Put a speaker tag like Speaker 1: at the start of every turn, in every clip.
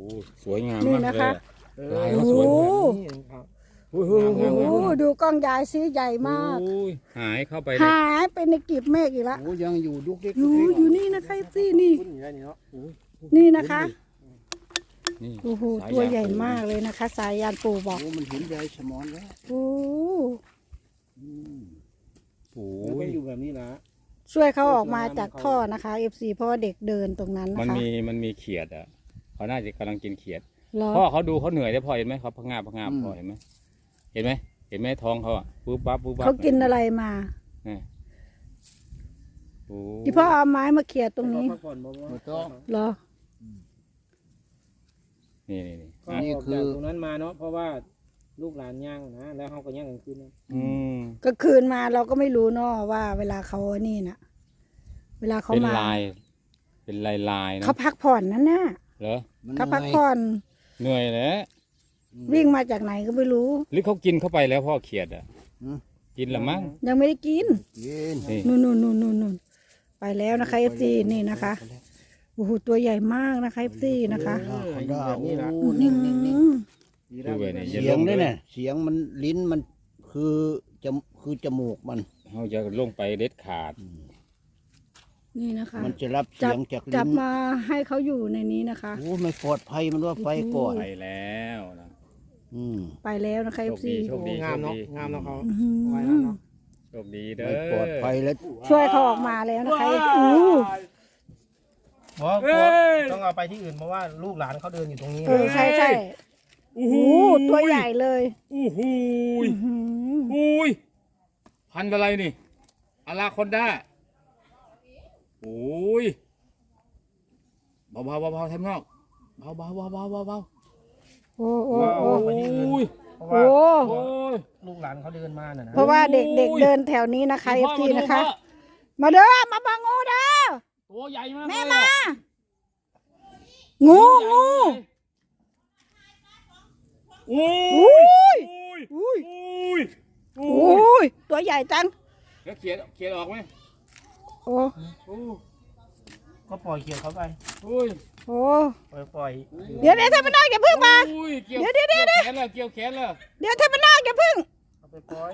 Speaker 1: สวยงาม
Speaker 2: นี่
Speaker 1: มาก
Speaker 2: นะ
Speaker 1: เลย
Speaker 2: คะ
Speaker 1: ลายเขาสวย
Speaker 2: โอ้
Speaker 1: โอ้โห
Speaker 2: โอ้โหดูกล้องยายซิใหญ่มาก
Speaker 1: หายเข้าไป
Speaker 2: หายไปในกลีบเมฆอีกแล้ว
Speaker 3: โอ้ยังอยู่ดุกดิก
Speaker 2: อยู่นี่นะคะซี่นี่
Speaker 3: ขึ้นอยู่ได้นี่เนาะ
Speaker 2: นี่นะคะ
Speaker 1: นี่
Speaker 2: โอ้โหตัวใหญ่มากเลยนะคะ สายยานปู่บอก
Speaker 3: โอ้มันเห็นใยสมอนแล้ว
Speaker 2: โอ้
Speaker 1: โอ้
Speaker 3: มันก็
Speaker 1: ย
Speaker 3: อยู่แบบนี้นะ
Speaker 2: ช่วยเขาออกมาจากท่อนะคะ FC เพราะว่าเด็กเดินตรงนั้น
Speaker 1: มั
Speaker 2: นะ
Speaker 1: น
Speaker 2: คะ
Speaker 1: มีเขียดอ่ะเขาน่าจะกำลังกินเขียด
Speaker 2: เหรอ
Speaker 1: พ่อเขาดูเขาเหนื่อยได้พอเห็นไหมเขาพังงาบพ่อเห็นไหมเห็นไหมท้องเขาอ่ะปุ๊บปั๊บ
Speaker 2: เขากินอะไรมา
Speaker 1: โอ้
Speaker 2: ที่พ่อเอาไม้มาเขี่ยตรงนี้
Speaker 3: พักผ่อนบ่ไม่ต้อง
Speaker 2: เหรอ
Speaker 1: นี่
Speaker 3: ก็ออกจากตรงนั้นมาเนาะเพราะว่าลูกหลานย่างนะแล้วเขาก็ย่างกลางคืนนะ
Speaker 2: ก็คืนมาเราก็ไม่รู้เนาะว่าเวลาเขานี่นะเวลาเขา
Speaker 1: เป็น
Speaker 2: มา
Speaker 1: ลายเป็นลายนะ
Speaker 2: เขาพักผ่อนนั่นน่ะ
Speaker 1: เหรอ
Speaker 2: เขาพักผ่อน
Speaker 1: เหนื่อยแล้ว
Speaker 2: วิ่งมาจากไหนก็ไม่รู้
Speaker 1: หรือเขากินเข้าไปแล้วพ่อเขียดอ่ะกินละมั้ง
Speaker 2: ยังไม่ได้กิน
Speaker 3: กิน
Speaker 1: นี่
Speaker 2: นู่นไปแล้วนะคะ FC นี่นะคะโอ้โหตัวใหญ่มากนะคะ FC นะคะ
Speaker 3: แบบนี้ละ
Speaker 2: นิ่ง
Speaker 1: ดูไปเนี่ยอย่า
Speaker 3: เสี
Speaker 1: ล
Speaker 3: ยง
Speaker 1: ง
Speaker 3: ด้
Speaker 1: เล
Speaker 3: วย ยเนี่ยเสียงมันลิ้นมันคือจมูกมัน
Speaker 1: เขาจะลงไปเด็ดขาด
Speaker 2: นี่นะคะ
Speaker 3: มันจะรับเสี
Speaker 2: จั
Speaker 3: ย
Speaker 2: บ
Speaker 3: งจาก
Speaker 2: จั
Speaker 3: ลิ้
Speaker 2: บ
Speaker 3: น
Speaker 2: มาให้เขาอยู่ในนี้นะคะ
Speaker 3: โอ้ไม่ปลอดภัยมันว่าไฟก่อน
Speaker 1: ไปแล้วนะ
Speaker 2: ไปแล้วนะคะ
Speaker 1: โชค
Speaker 2: FC
Speaker 1: ดีโชคดี
Speaker 3: งามเนาะงามเนาะเขา
Speaker 2: อื้อหือ
Speaker 3: ไว้แล้วเนาะ
Speaker 1: โชคดีเด้
Speaker 3: ไม่
Speaker 1: อ
Speaker 3: ปลอดภัยแล้ว
Speaker 2: ช่วยเขาออกมาแล้วนะคะอู้
Speaker 3: ต้องเอาไปที่อื่นเพราะว่าลูกหลานเขาเดินอยู่ตรงนี้
Speaker 2: ใช่โอ้โหตัวใหญ่เลย
Speaker 1: อู้หู
Speaker 2: อื้อหือ
Speaker 1: อุ้ยพันธุ์อะไรนี่อลาคอนด้าโอ้ยเบาแทมนอกเบา
Speaker 2: โอ้โอ้
Speaker 3: ว่า
Speaker 2: โอ้
Speaker 3: เอาไปที่อื่นเพราะว่า
Speaker 2: โอ้
Speaker 1: โอ้ย
Speaker 3: ลูกหลานเขาเดินมาน่ะนะ
Speaker 2: เพราะว่าเด็กๆเดินแถวนี้นะคะ
Speaker 1: พ่อ
Speaker 2: FC
Speaker 1: มาดู
Speaker 2: นะคะ
Speaker 1: พ่อ
Speaker 2: มาเด้อมาบังงูเด้อ
Speaker 1: ตัวใหญ่มาก
Speaker 2: แม่
Speaker 1: เลย
Speaker 2: มา
Speaker 1: อะ
Speaker 2: งู
Speaker 1: โอ้
Speaker 2: อุ้ย
Speaker 1: ย
Speaker 2: อุ้ย
Speaker 1: โอ้
Speaker 2: อุ้ยตัวใหญ่จัง
Speaker 1: แล้วเขียนออกไหม
Speaker 2: โอ้
Speaker 1: โอ้
Speaker 3: ก็ปล่อยเขียวเขาไป
Speaker 1: โอ้ย
Speaker 2: โอ้
Speaker 3: ปล่อย
Speaker 2: เดี๋ยวท่านพนักอย่าพึ่งมา
Speaker 1: โอ้ยเกี่ยว
Speaker 2: เดี๋ยว
Speaker 1: แขนเลยเกี่ยวแขนเลย
Speaker 2: เดี๋ยวท่านพนักอย่าพึ่ง
Speaker 3: เอาไปปล่อย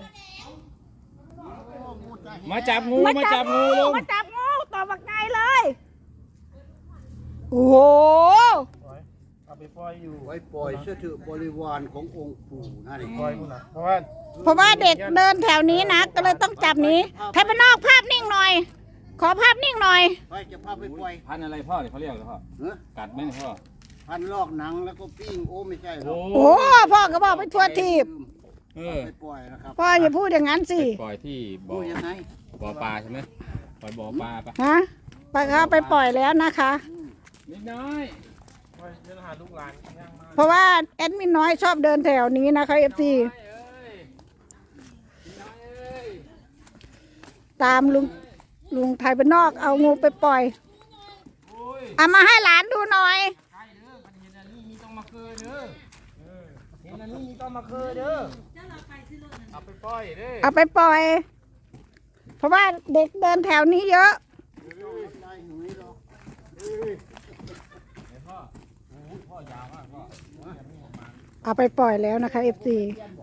Speaker 1: มาจับงูมาจับงูลง
Speaker 2: มาจับงูต่อบักไงเลยโอ้โห
Speaker 3: เอาไปปล่อยอยู่
Speaker 4: ไว้ปล่อยเสื้อถือบริวารขององค์ปู่นั่นเอง
Speaker 3: ปล่อยคุณนะเพราะว่า
Speaker 2: เพราะว่าเด็กเดินแถวนี้นะก็เลยต้องจับหนี้ท่านพนักภาพนิ่งหน่อย ขอภาพนิ่งหน่อย
Speaker 4: ไปจะพาไปปล่อย
Speaker 1: พันธุ์อะไรพ่อเนี่ยเขาเรียกอะไรพ่อ
Speaker 4: เฮ้ย
Speaker 1: กัดไหมเนี่ยพ่อ
Speaker 4: พันลอกหนังแล้วก็ปิ้งโอ้ไม่ใช่หรอก
Speaker 2: โอ้พ่อก็บอกไปทั่วทีบ
Speaker 1: เออ
Speaker 4: ไปปล่อยนะครับ
Speaker 2: พ่ออย่าพูดอย่างนั้นสิ
Speaker 1: ปล่อยที่บ่
Speaker 4: พู
Speaker 1: อ
Speaker 4: ดยังไง
Speaker 1: บ่อปลาใช่ไหมปล่อยบ่อปลาปะ
Speaker 2: ฮะไปเขาไปปล่อยแล้วนะคะ
Speaker 1: นิดน้อย
Speaker 3: ปล่อยเดินหาลูกหลานย่างมา
Speaker 2: เพราะว่าแอดมินน้อยชอบเดินแถวนี้นะคะเอฟซี
Speaker 1: เอ้ยนิดน้อยเอ้ย
Speaker 2: ตามลุงไทยบ้านนอกเอางูไปปล่อย
Speaker 1: โอ้ย
Speaker 2: เอามาให้หลานดูหน่อย
Speaker 1: ใช่เด้อมันเห็นอันนี้มีต้องมาเคือเด้อ
Speaker 3: เห็นอันนี้ต้องมาเคยเด้อ
Speaker 1: เอาไปปล่อยเด้อ
Speaker 2: เอาไปปล่อย เพราะว่าเด็กเดินแถวนี้เยอะ
Speaker 4: ได้หนุ่ยหรอก
Speaker 1: เห็นพ่อโอ้ยพ่อยาวมากพ่อ
Speaker 2: เอาไปปล่อยแล้วนะคะเอฟซี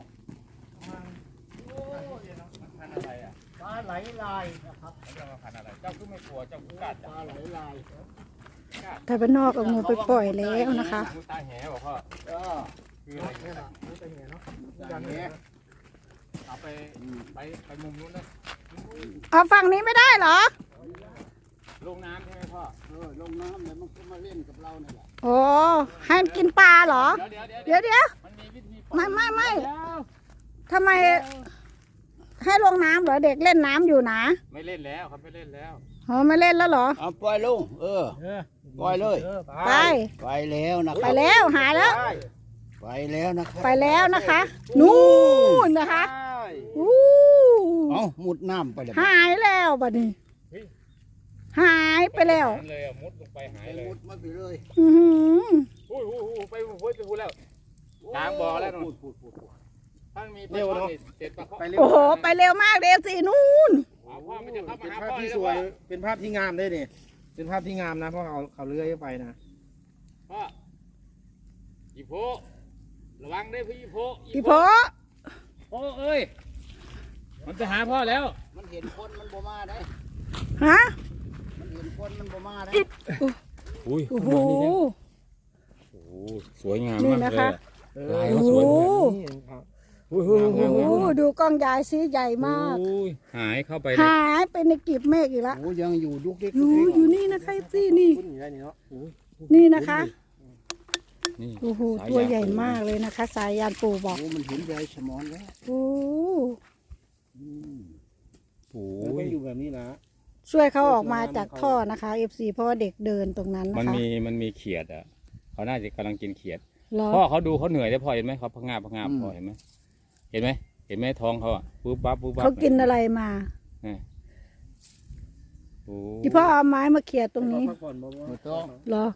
Speaker 1: พันธุ์อะไรอ่ะ
Speaker 4: ปลาไหลลายนะครับ
Speaker 1: เขาเรียกว่าพันธุ์อะไรเจ้าคือไม่กลัวเจ้าคือกัด
Speaker 4: ปลาไหลลาย
Speaker 2: ไทยบ้านนอกเอางูไปปล่อยแล้วนะคะ
Speaker 1: ตาแหบอกพ่อ
Speaker 4: เออ
Speaker 1: คืออะไรเนี่ย
Speaker 4: อย่างนี้
Speaker 1: เอาไปมุมนู้นนะ
Speaker 2: เอาฝั่งนี้ไม่ได้เหรอ
Speaker 1: ลงน้ำใช่ไหมพ่อ
Speaker 4: ลงน้ำแล้วมันก็มาเล่นกับเราเนี่ยแหละ
Speaker 2: โอ้ให้มันกินปลาเหรอ
Speaker 1: เดี๋ยว
Speaker 2: เดี๋ยว
Speaker 1: มันมีวิธี
Speaker 2: ไม่ทำไมให้ลงน้ำเหรอเด็กเล่นน้ำอยู่นะ
Speaker 1: ไม่เล่นแล้วครับไม่เล่นแล้ว
Speaker 2: อ๋อไม่เล่นแล้วเหรอ
Speaker 3: เอาปล่อยลงปล่อยเลย
Speaker 2: ไป
Speaker 3: ไปแล้วนะค
Speaker 2: ไป
Speaker 3: รับ
Speaker 2: แล้วหายแล้ว
Speaker 3: ไปแล้วนะครับ
Speaker 2: ไปแล้วนะคะ นู่นนะคะอู้
Speaker 3: เอามุดน้ำไปเลย
Speaker 2: หายแล้วบัดนี้ หายไปแล้ว
Speaker 1: เลยมุดลงไปหายเลย
Speaker 4: มุดมาไปเลย
Speaker 2: อื้อหือ
Speaker 1: ไปพูดแล้วกลางบ่อแล้วนู่นถ้ามีปลาช่อนเสร็จปลาเขา
Speaker 2: โอ้โหไปเร็วมากเดฟซีนู่น
Speaker 1: พ่อมันจะเข้ามา
Speaker 3: เป็น
Speaker 1: หา
Speaker 3: ภาพ
Speaker 1: พ่อ
Speaker 3: ที่
Speaker 1: เลย
Speaker 3: สวยเป็นภาพที่งามได้เนี่ยเป็นภาพที่งามนะเพราะเขาเลื้อยไปนะ
Speaker 1: พ่อโพระวังได้พี่โพ
Speaker 2: พี่โพ
Speaker 1: โพเอ้ยมันจะหาพ่อแล้ว
Speaker 4: มันเห็นคนมันบ่มาได้
Speaker 2: ฮะ
Speaker 4: มันเห็นคนมันบ่มาได้
Speaker 1: อุ้ย
Speaker 2: โอ้โห
Speaker 1: โอ้โหสวยงาม
Speaker 2: นี่
Speaker 1: มาก
Speaker 2: นะ
Speaker 1: เลย
Speaker 2: คะ
Speaker 1: ลาย
Speaker 2: โอ้
Speaker 1: เขา
Speaker 2: โห
Speaker 1: สวย
Speaker 3: นี่ครับ
Speaker 1: โอ้โห
Speaker 2: โอ้โหดูกล้องยายซิใหญ่มาก
Speaker 1: โอ้ยหายเข้าไปเลย
Speaker 2: หายไปในกลีบเมฆอีกแล้ว
Speaker 4: โอ้ยังอยู่ดุกดิก
Speaker 2: อยู่นี่นะคะซี่นี่
Speaker 3: ขึ้นอยู่ได้นี่เนาะ
Speaker 2: นี่นะคะ
Speaker 1: นี่
Speaker 2: โอ้โห
Speaker 1: สาย
Speaker 2: ตัวใหญ่
Speaker 1: ยาง
Speaker 2: มากเลยนะคะ สายยานปู่บอก
Speaker 4: โอ้มันเห็นยายสมอนแล้ว
Speaker 2: โอ้
Speaker 1: โอ้
Speaker 3: แล้วก็
Speaker 1: ย
Speaker 3: อยู่แบบนี้นะ
Speaker 2: ช่วยเขาออกมาจากท่อนะคะ FC เพราะว่าเด็กเดินตรงนั้น
Speaker 1: มัน
Speaker 2: นะคะ
Speaker 1: มีเขียดอ่ะเขาน่าจะกำลังกินเขียด
Speaker 2: เหรอ
Speaker 1: พ่อเขาดูเขาเหนื่อยได้พอเห็นไหมเขาพะงาบพอเห็นไหมเห็นไหมเห็นไหมท้องเขาอ่ะปุ๊บปั๊บปุ๊บปั๊บ
Speaker 2: เขากินอะไรมา
Speaker 1: นี่โอ้
Speaker 2: ที่พ่อเอาไม้มาเขี่ยตรงนี้
Speaker 3: พักผ่อนบ่บ่
Speaker 4: ไม่ต้อง
Speaker 2: เหรอ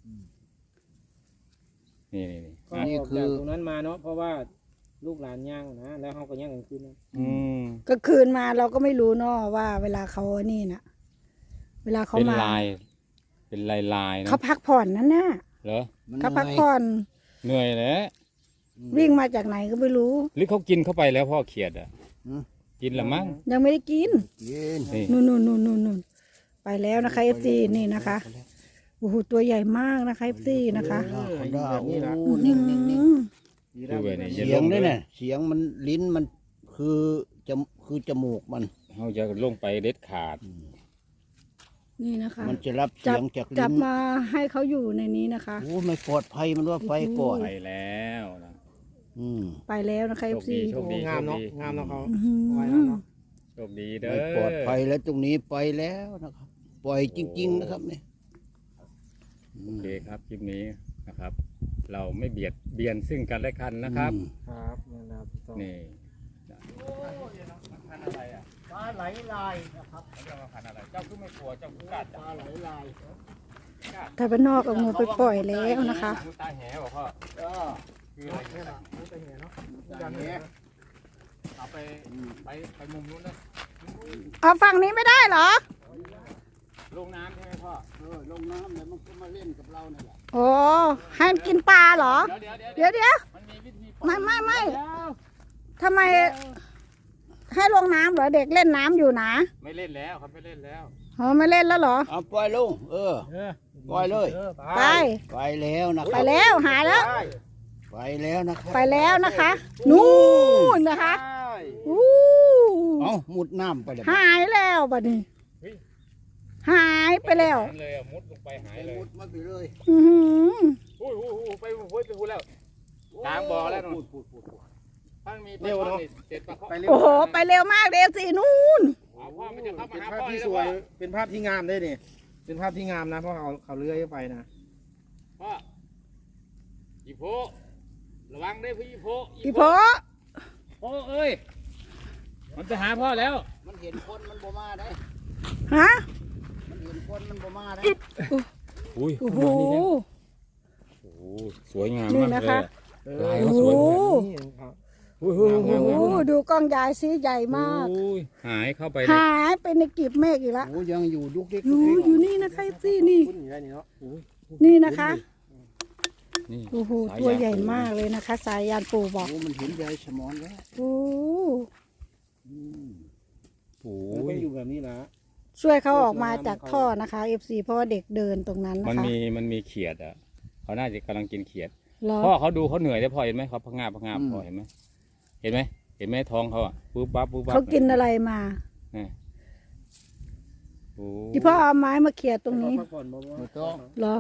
Speaker 1: นี่
Speaker 3: ก็
Speaker 1: อ่ะ
Speaker 3: ออกจากตรงนั้นมาเนาะเพราะว่าลูกหลานย่างนะแล้วเขาก็ย่างกันขึ้นนะ
Speaker 1: อืม
Speaker 2: ก็คืนมาเราก็ไม่รู้เนาะว่าเวลาเขานี่นะเวลาเขา
Speaker 1: เป็น
Speaker 2: มา
Speaker 1: ลาย เป็นลายนะ
Speaker 2: เขาพักผ่อนนั่นน่ะ
Speaker 1: เหรอ
Speaker 4: มัน
Speaker 2: เขาพักผ่อน
Speaker 1: เหนื่อยแล้ว
Speaker 2: วิ่งมาจากไหนก็ไม่รู้
Speaker 1: หรือเขากินเข้าไปแล้วพ่อเขียดอ่ะกินละมั้ง
Speaker 2: ยังไม่ได้กิน
Speaker 4: กิน
Speaker 1: นี่
Speaker 2: นู่นไปแล้วนะคะ FC นี่นะคะโอ้โหตัวใหญ่มากนะคะ FC นะคะ
Speaker 4: เขาได้โอ้นิ่งนิ่งนิ่ง
Speaker 1: ดูไปนี่
Speaker 4: เสียงด้วยเนี่ยเสียงมันลิ้นมันคือจมูกมัน
Speaker 1: เขาจะลงไปเด็ดขาด
Speaker 2: นี่นะคะ
Speaker 4: มันจะรับ
Speaker 2: จั
Speaker 4: เสี
Speaker 2: บ
Speaker 4: ยงจาก
Speaker 2: จั
Speaker 4: ลิ้
Speaker 2: บ
Speaker 4: น
Speaker 2: มาให้เขาอยู่ในนี้นะคะ
Speaker 4: โอ้ไม่ปลอดภัยมันว่าไฟก่อน
Speaker 1: ไปแล้วนะ
Speaker 2: ไปแล้วนะคะ
Speaker 1: โชค
Speaker 2: FC
Speaker 1: ดีโชคดี
Speaker 3: งามเนาะงามเนาะเขา
Speaker 2: อื้อหือ
Speaker 3: ไว้แล้วเนาะ
Speaker 1: โชคดีเด้อ
Speaker 4: ไม่ปลอดภัยแล้วตรงนี้ไปแล้วนะครับ ปล่อยจริง ๆ นะครับเนี่ย
Speaker 1: โอเคครับคลิปนี้นะครับ เราไม่เบียนซึ่งกันและกันนะครับ
Speaker 3: ครับนะครับต้อง
Speaker 1: นี่
Speaker 4: ปลาไหลลายนะครับ
Speaker 1: เจ้าพันอะไรเจ้าคือไม่กลัวเจ้าคือกล้า
Speaker 4: ปลาไหลลาย
Speaker 2: ถ้าเป็นนอกเอางูไปปล่อยแล้วนะคะ
Speaker 1: ตาแหบอกพ่อ
Speaker 4: ก็
Speaker 1: คืออะไร
Speaker 3: นี่แหละนี่จะเห็นเนาะ
Speaker 4: อย่างนี้
Speaker 1: เอาไปมุมนู้นนะ
Speaker 2: เอาฝั่งนี้ไม่ได้เหรอ
Speaker 1: ลงน้ำใช่ไหมพ่อ
Speaker 4: ลงน้ำแล้วมันก็มาเล่นกับเราเนี่ยแหละ
Speaker 2: โอ้ให้มันกินปลาเหรอ
Speaker 1: เดี๋ยว
Speaker 2: เดี๋ยว
Speaker 1: มันมีวิธี
Speaker 2: ไม่ทำไมให้ลงน้ำเหรอเด็กเล่นน้ำอยู่นะ
Speaker 1: ไม่เล่นแล้วครับไม่เล่นแล้ว
Speaker 2: อ๋อไม่เล่นแล้วเหรอ
Speaker 4: เอาปล่อยลงปล่อยเลย
Speaker 2: ไป
Speaker 4: ไปแล้วนะค
Speaker 2: ไป
Speaker 4: รับ
Speaker 2: แล้วหายแล้ว
Speaker 4: ไปแล้วนะครับ
Speaker 2: ไปแล้วนะคะ นู่นนะคะอู้
Speaker 4: เอามุดน้ำไปเลย
Speaker 2: หายแล้วบัดนี้ หายไปแล้ว
Speaker 1: เลยอะมุดลงไปหายเลย
Speaker 4: มุดมาไปเลย
Speaker 2: อื้อหือ
Speaker 1: อุ้ยไปพูดแล้วกลางบ่อแล้วนู่นท่านมีปลาช่อนนี่เสร็จปลาเคาะ
Speaker 2: โอ้โหไปเร็วมากเดฟสี่นู่น
Speaker 1: เอาพ่อมันจะเข้ามา
Speaker 3: เป็น
Speaker 1: หา
Speaker 3: ภาพ
Speaker 1: พ่อ
Speaker 3: ที่
Speaker 1: เลย
Speaker 3: ส
Speaker 1: นะ
Speaker 3: ว
Speaker 1: พ่
Speaker 3: ย
Speaker 1: อ
Speaker 3: เป็นภาพที่งามได้นี่เป็นภาพที่งามนะเพราะเขาเลื้อยไปนะ
Speaker 1: พ่ออีโพระวังได้พี่โพ
Speaker 2: พี่โพ
Speaker 1: โพเอ้ยมันจะหาพ่อแล้ว
Speaker 4: มันเห็นคนมันบ่มาได้
Speaker 2: ฮะ
Speaker 4: มันเห็นคนมันบ่มาได้
Speaker 1: อุ้ย
Speaker 2: โอ้โห
Speaker 1: โอ้โหสวยงาม
Speaker 2: นี่
Speaker 1: มาก
Speaker 2: นะ
Speaker 1: เลย
Speaker 2: คะ
Speaker 1: อะลายเขาสวย
Speaker 2: โอ้
Speaker 3: นี่ครับ
Speaker 1: โอ้โห
Speaker 2: โอ้โหดูกล้องยายซิใหญ่มาก
Speaker 1: โอ้ยหายเข้าไปเลย
Speaker 2: หายไปในกลีบเมฆอีกแล้ว
Speaker 4: โอ้ยังอยู่ดุกดิก
Speaker 2: อยู่นี่นะคะซี่นี่
Speaker 3: ขึ้นอยู่ได้นี่เนาะ
Speaker 2: นี่นะคะ
Speaker 1: นี่
Speaker 2: โอ้โหตัวใหญ่มากเลยนะคะ สายยานปู่บอก
Speaker 4: โอ้มันเห็นยายสมอนแล้ว
Speaker 2: โอ้
Speaker 1: โอ้
Speaker 3: แล้วก็
Speaker 1: ย
Speaker 3: อยู่แบบนี้นะ
Speaker 2: ช่วยเขาออกมาจากท่อนะคะ FC เพราะว่าเด็กเดินตรงนั้น
Speaker 1: มั
Speaker 2: นะ
Speaker 1: น
Speaker 2: คะ
Speaker 1: มีเขียดอ่ะเขาน่าจะกำลังกินเขียด
Speaker 2: เหรอ
Speaker 1: พ่อเขาดูเขาเหนื่อยได้พอเห็นไหมเขาพะงาบพอเห็นไหมเห็นไหมเห็นไหมท้องเขาอ่ะปุ๊บปั๊บปุ๊บปั๊บ
Speaker 2: เขากินอะไรมา
Speaker 1: โอ้
Speaker 2: ที่พ่อเอาไม้มาเขี่ยตรงนี้
Speaker 3: พักผ่อนบ่บ่
Speaker 4: ไม่ต้อง
Speaker 2: เหรอ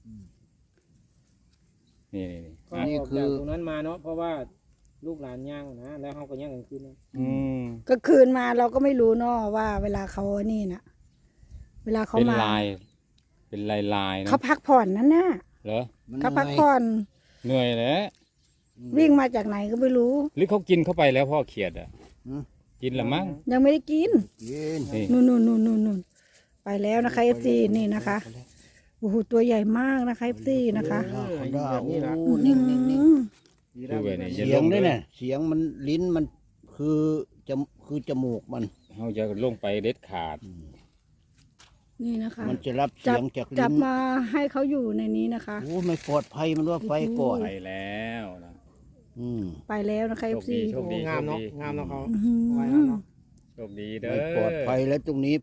Speaker 1: นี่
Speaker 3: ก็ออกจากตรงนั้นมาเนาะเพราะว่าลูกหลานย่างนะแล้วเขาก็ย่างกันขึ้นนะ
Speaker 1: อืม
Speaker 2: ก็คืนมาเราก็ไม่รู้เนาะว่าเวลาเขานี่นะเวลาเขา
Speaker 1: เป็น
Speaker 2: มา
Speaker 1: ลาย เป็นลายนะ
Speaker 2: เขาพักผ่อนนั่นน่ะ
Speaker 1: เหรอ
Speaker 2: เขาพักผ่อน
Speaker 1: เหนื่อยแล้ว
Speaker 2: วิ่งมาจากไหนก็ไม่รู้
Speaker 1: หรือเขากินเข้าไปแล้วพ่อเขียดอ่ะกินละมั้ง
Speaker 2: ยังไม่ได้กิน
Speaker 4: กิน
Speaker 1: นี่
Speaker 2: นู่นไปแล้วนะคะ FC นี่นะคะโอ้โหตัวใหญ่มากนะคะ FC นะคะ
Speaker 4: เขาได้
Speaker 3: แบบนี้นะ
Speaker 4: โอ้นิ่งนิ่งนิ่ง
Speaker 1: ดูไปนี่
Speaker 4: เสียงด้วยเนี่ยเสียงมันลิ้นมันคือจมูกมัน
Speaker 1: เขาจะลงไปเด็ดขาด
Speaker 2: นี่นะคะ
Speaker 4: มันจะรับ
Speaker 2: จั
Speaker 4: เสี
Speaker 2: บ
Speaker 4: ยงจาก
Speaker 2: จั
Speaker 4: ลิ้
Speaker 2: บ
Speaker 4: น
Speaker 2: มาให้เขาอยู่ในนี้นะคะ
Speaker 4: โอ้ไม่ปลอดภัยมันว่าไฟก่อน
Speaker 1: ไปแล้วนะ
Speaker 2: ไปแล้วนะคะ
Speaker 1: โชค
Speaker 2: FC
Speaker 1: ดีโชคดี
Speaker 3: งามเนาะ
Speaker 1: โชคดี
Speaker 3: งามเนาะเขา
Speaker 2: อื้อหือ
Speaker 3: ไว้แล้วเนาะ
Speaker 1: โชคดีเด้อ
Speaker 4: ไม่ปลอดภัยแล้วตรงนี้